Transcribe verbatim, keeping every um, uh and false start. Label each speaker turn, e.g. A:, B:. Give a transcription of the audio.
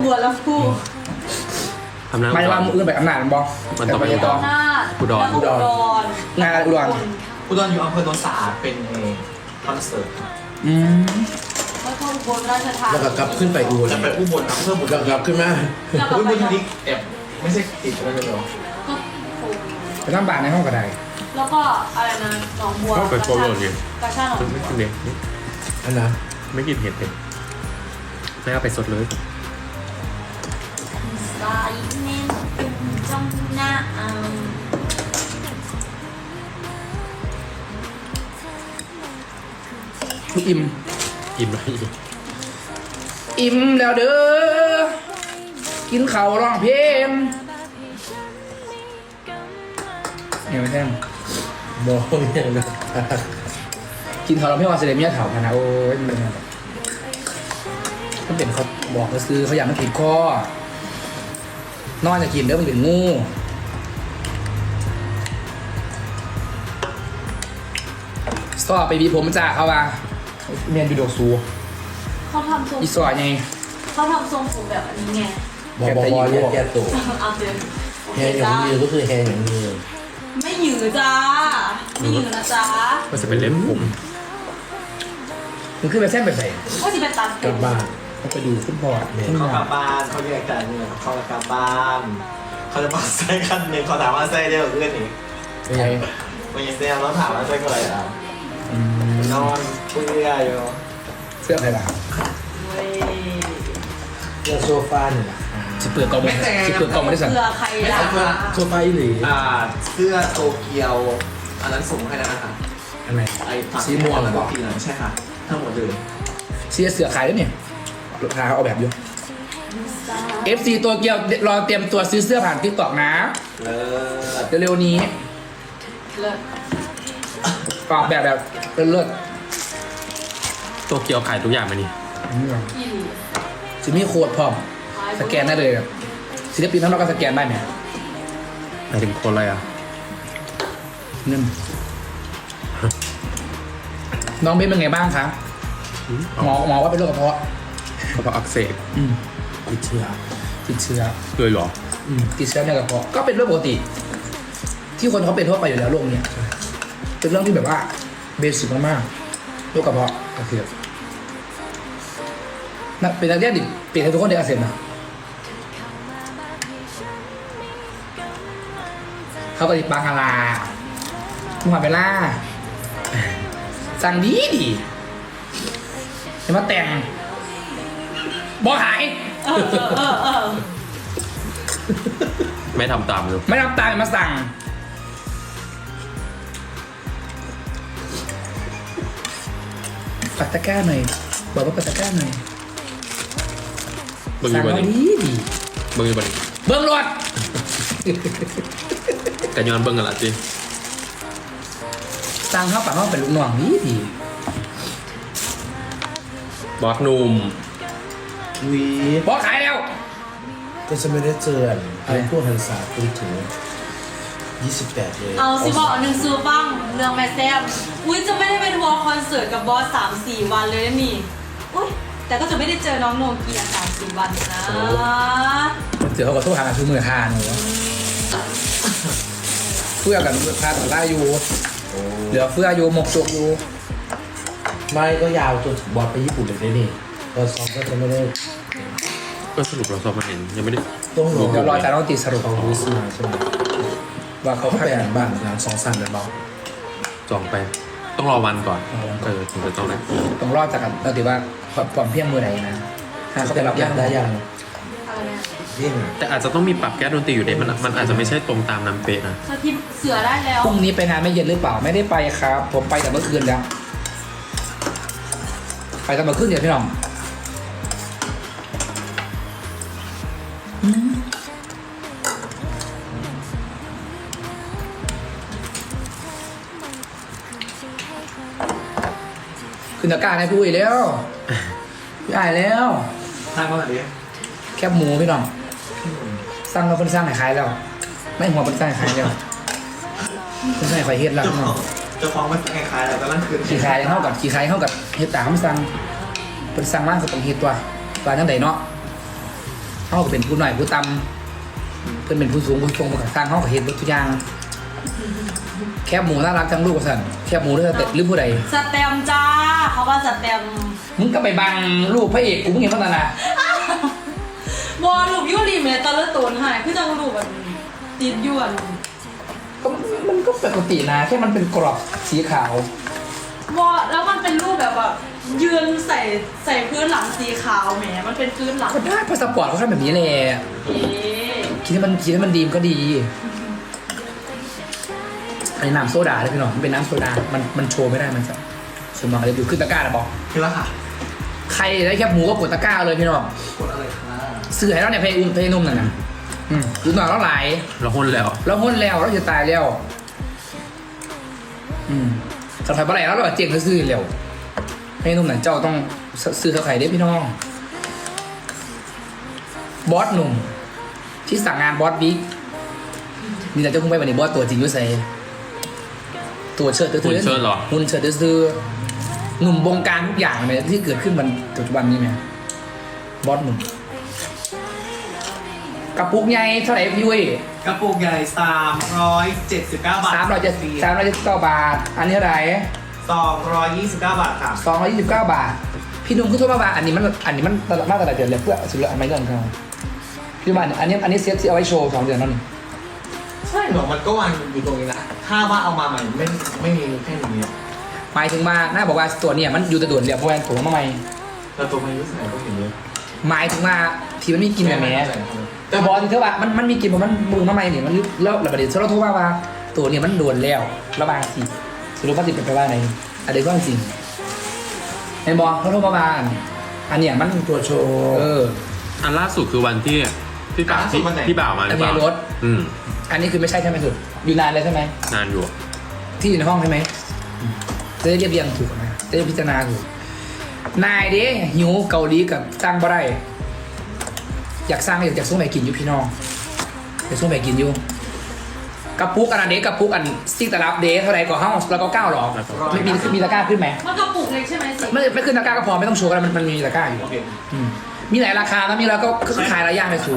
A: บัวลำพู
B: อำนาจ
C: ไม่ว่ามืออื่นไปอำนาจมันบอก
B: มันต้องไป
C: แต่
B: ต่อ
A: อำนาจ
B: อุดร
A: อุดรง
C: านอุดร
D: อุดรอยู่อำเภอโนนสะอาดเป็นคอนเสิร์ต
C: อืม
A: แล้วก็อุบลราชธานี
E: แล้วก็กลับขึ้นไปอู
D: จะไปอุบลอำเภอบุรี
E: แล้วกลับขึ้นมา
A: แล้วก็
D: อุ
A: ไป
D: บลนิกแอบไม่ใช่ติดกันเลยเหรอ
A: ก็โอ้
C: ไปทำบาทในห้องกระได
A: แล้วก็อะไรนะหนองบัว
B: ก็ไปโคโรนไง
A: กระชากหนอง
B: ไม่
A: บั
B: กิ
A: วน
B: เด็ก
E: อันนะ
B: ไม่กินเห็ดเลยไม่เอาไปสดเลย
A: สายเน้นเป็นจ้องหน้าอ่า
C: ลูกอิ่ม
B: อิ่มแล้วอีก
C: อิ่มแล้วเด้อกินข้าวร้องเพลงเนี่ยไม่ใช่
E: มองอย่างนะ
C: กินข้าวร้องเพลงว่าเสด็จเมียเถาพะนะโอ้ยมันเป็นไงมันเป็นเขาบอกเขาซื้อเขาอยากมันติดคอนอนจะกินเด้อมันเป็นงูสอบไปบีผมจ้าเขาว่าเมียนดูดอกสู
A: เขาทำทรง
C: อีสอไง
A: เขาทำทรงผมแบบอันนี้ไง
E: บอกบอกว่าแยกแยกตัว
A: เอาเตือน
E: แฮงอย่างนี้ก็คือแฮงอย่างนี้
A: ไม่หยือจ้าไม่หยือนะจ้า
B: มันจะเป็นเล็บผม
C: มันขึ้นไปเส้นไปใส่
A: ก็จะเป็นตัด
E: กลับบ้าน
C: เขาไปดูฟุตบอลเนี่ย
D: เขากลับบ้านเขาแยกกันเนี่ยเขากลับบ้านเขาจะมาใส่กันหนึ่งเขาถามว่าใส่ได้หรือเปล่าอีก
C: เป็นไง
D: วันนี้เซลต้องถามว่าใส่อะไรอ่ะ
C: อืม
D: นอนคุยเรื่อยอยู่
C: เสื้ออะไรล่ะ
A: เว้ย
E: เรื่องโซฟาเนี่ยแหละ
C: สิเปิดกล่องมันสิเปิดกล่องมันได้สั่ง
A: เพื่อใครล่ะ
E: โซฟาอีหลี
D: อ่าเสื้อโตเกียวอันนั้นส่งให้แล้วนะคะ
E: อันไหน
D: ไอ้ฝั่ง
E: สีม่วง
D: แล้ว
E: เหร
D: ก็
E: อ
D: ปีนั้นใช่ค่ะทั้งหมดเลย
C: เสียเสือขายแล้วเนี่ยลูกค้าเขาเอาแบบอยู่ เอฟ ซี ตัวเกียวรอเตรียมตัวซื้อเสื้อผ่านทิกตอกนะ
D: เลิศ
C: เร็วๆนี้
A: เลิศ
C: ออกแบบแบบเลิศ
B: โตเกียวขายทุกอย่างมานี่
C: ๆอืม
A: อีหลี
C: จะมีโค้ดพร้อมสแกนได้เลยศิลปินทั้งนอกก็สแกนได้ไหม
B: หมายถึงคนอะไรอ่ะ
C: เงินน้องเบนเป็นไงบ้างคะหมอหมอว่าเป็นโรคกระเพาะ
B: กระเพาะอักเสบ
C: อืม
E: ติดเชื้อ
C: ติดเชื้อ
B: เลยเหรอ
C: อืมติดเชื้อในกระเพาะก็เป็นเรื่องปกติ ที่คนเขาเป็นทั่วไปอยู่แล้วโรคเนี้ยเป็นเรื่องที่แบบว่าเบสิกมากๆโรคกระเพาะอักเสบนักเป็นนักเรียนดิเปลี่ยนให้ทุกคนได้อักเสบนะเขาก็ติดปังอาลามุฮัมเบล่าสั่งดีดีจะมาแต่งบอหาย
A: เออเออเออเออ
B: ไม่ทำตามเลย
C: ไม่รับตามมาสั่งปัตตะกร้าหน่อยบอกว่าปัตตะกร้าหน่อย
B: เบิ้งอ
C: สั่
B: ยู่
C: ง
B: บน
C: เอา
B: นี้
C: ดีดี
B: เบิ้งอยู่บนนี้
C: เบิ้งรถ
B: กันย้อนเบิ้งกันละจี
C: สั่งเข้าปากเข้าเป็นลูกน้องดีดี
B: บอสหนุ่ม
E: วี
C: บอกขายแล้ว
E: ก็จะไม่ได้เจอไอ้พวกหันษาคุยถึงยี่สิบแปดเลย
A: เอาสิบอกหนึ่งซูบ้างเรื่องแม่แซมอุ้ยจะไม่ได้ไปทัวร์คอนเสิร์ตกับบอสสามสี่วันเลยนะนี่อุ้ยแต่ก็จะไม่ได้เจอน้องโนเกียสามสี่วันนะ
C: เจอเขาก็โทษหาคือมือคาหนูเพื่อกันคาต่อได้อยู่
E: โอ้
C: เหลือเฟืออยู่หมกจกอยู่
E: ไม่ก็ยาวจนถึงบอลไปญี่ปุ่นเลยได้นี่ตอนซ้อมก็จะไม่ได้
B: ก็สรุปเราสอบมาเห็นยังไม่ได้
E: ต้องรอ
C: เดี๋ยวรอจากน้องตีสรุป
E: เขารู้สึกใช่ไหม
C: ว่าเขา
E: เขา
C: พัก
E: ไปอ่านบ้านงานสองสั้นเลยเบา
B: จองไป ต้องรอวันก่อนเออถึงจะจองได้
C: ต้องรอดจากกันเราถือว่าความเพียงมือไหนนะถ้าเขาไปรับ
E: ยากได้ยัง
A: อะไรเนี่ย
E: ยิ่ง
B: แต่อาจจะต้องมีปรับแก้ดนตรีอยู่เด็มันมันอาจจะไม่ใช่ตรงตามน้ำเป๊ะนะ
A: สทิปเสือได้แล้ว
C: พรุ่งนี้ไปงานไม่เย็นหรือเปล่าไม่ได้ไปครับ ผมไปแต่เมื่อคืนแล้ว ไปแต่เมื่อคืนเดี๋ยวพี่น้องขึ้นตะกร้าให้พี่อุ้ยแล้วพี่อายแล้ว
D: ทางเมื่อไหร่ดิ
C: แคบหมูพี่น้องสั่งเราเป็นสร้างให้ขายแล้ว ไม่หัวเป็นสร้างให้ขายแล้วเป็นสร้างให้ขายเฮ็ดแล้ว
D: เจ้า
C: พี่
D: ข
C: น้
D: อ
C: อง
D: งเจ้าของมันคล้ายๆอะไรก็นั่นคือ
C: ขี่ขายเท่ากับขี่ขายเท่ากับเฮ็ดตามสั่งเป็นสั่งมากก็ต้องเฮ็ดตัวปลาจังไดเนาะเขาก็เป็นผู้หน่อยผู้ตำเพื่อนเป็นผู้สูงผู้ทรงผู้สร้างเขาก็เห็นทุกอย่างแคบหมูน่ารักทั้งลูกกับสันแคบหมูด้วยแต่หรือผู้ใด
A: สแตมป์จ้าเขาว่าสแตมป์
C: มึงก็ไปบังลูกพระเอกกูมึงเห็นพัฒนา
A: บอลลูกยูรีเมตตะเลตูนหายคือจังลูกแบบติดยวน
C: ก็มันก็ปกตินะแค่มันเป็นกรอบสีขาว
A: บอแล้วมันเป็นรูปแบบแบบยืนใส่ใส่พื้นหลังสีขาวแหมมันเป็นพื้นหลัง
C: ก็ได้พาสปอร์ตเขาทำแบบนี้แหละ
A: เอ๊ะ
C: คิดให้มันคิดให้มันดีมนก็ดีอันนี้น้ำโซดาเลยพี่น้องมันเป็นน้ำโซดา มันมันโชว์ไม่ได้มันจะสมมติอะไรอยู่ขึ้นตะกร้านะบอก
D: คือแล้วค่ะ
C: ใครได้แคบหมูก็กดตะกร้าเลยพี่น้อง
D: กดอะไรคะ
C: ซื้อให้เราเนี่ยเพลงเพลงนุ่มนั่นนะอืมดูหน่อยเราหลาย
B: เราหุ้นแล้ว
C: เราหุ้นแล้วเราจะตายแล้ว อืมสัตว์ไฟปลาไหลแล้วเราเจ๊งก็ซื้อเร็วให้นุ่มหนังเจ้าต้องซื้อเขาไข่ได้พี่น้อง บอสหนุ่ม ที่สั่งงานบอสบิ๊กมีแต่เจ้าคุ้งไปวันนี้บอสตัวจริงด้วยใส่ตัวเชิดตื้อๆ
B: หุ่นเชิดเหรอ
C: หุ่นเชิดตื้อๆหนุ่มบงการทุกอย่างเลยที่เกิดขึ้นมันปัจจุบันนี้ไหมบอสหนุ่มกระปุกใหญ่เท่าไหร่พี่เว้ย
D: กระปุกใหญ่สามร้อยเจ็ดสิบเก้าบาท
C: สามร้อยเจ็ดสามร้อยเจ็ดสิบเก้าบาท อันนี้เท่าไหร่
D: สองร้อยยี่สิบเก้าบาทค่ะ
C: สองร้อยยี่สิบเก้าบาท พี่นุ่มคือโทษมาว่าอันนี้มันอันนี้มันตลาดมาตลาดเดือนเลยเพื่อสุดละอันไม่เรื่องเขาพี่ว่าอันนี้อันนี้เซ็ตที่เอาไว้โชว์สองเดือนนั่น
D: ใช่หรอมันก็วางอยู่ตรงนี้นะถ้าว่าเอามาใหม่ไม่ไม่มีแค่นี้
C: หมายถึงมาหน้าบอกว่าตัวเนี่ยมันอยู่แตะด่วนเรียบเพราะว่าตัวมาใหม่
D: แล้วตัวมายุใส่ก็เห็นเยอะ
C: หมายถึงว่าที่มันไม่กินแบบนี้
D: แต่
C: แต่บอกที่เธอว่ามันมันมีกินเพราะมันมือมาใหม่เนี่ยมันแล้วระเบิดเราโทษว่าว่าตัวเนี่ยมันโดนแล้วระบางสิสรุปว่าติดเป็นไปว่าไหนอันเดียวก็จริงเห็นบอกเขาโทษมาว่าอันเนี้ยมันตัวโชว์เออ
B: อันล่าสุดคือวันที่พี่บ่าวที่พี่บ่าวมาหรือเปล่า
C: ทะเบียนรถ
B: อืม
C: อันนี้คือไม่ใช่ใช่ไหมสุดอยู่นานเลยใช่ไหม
B: นานอยู่
C: ที่อยู่ในห้องใช่ไหมจะได้เรียบเรียงถูกนะจะได้พิจารณาถูกนายเด้หิวเกาหลีกับตั้งบ่ได้อยากสร้างอยากอยากส่งไปกินอยู่พี่น้องอยากส่งไปกินอยู่กระปุกอันนั้นเด็กกระปุกอันซิกตะลับเด็กเท่าไหร่ก็ห้าแล้วก็เก้าหรอไม่มีมีตะกร้าขึ้นไหม
A: มันกระปุกเล็กใช่ไหมสิ
C: ไม่ไม่ขึ้นตะกร้าก็พอไม่ต้องโชว์กันมันมันมีตะกร้าอยู่
D: โอเค
C: อืมมีหลายราคานะมีแล้วก็ก็ขายหลายอย่างเลยสู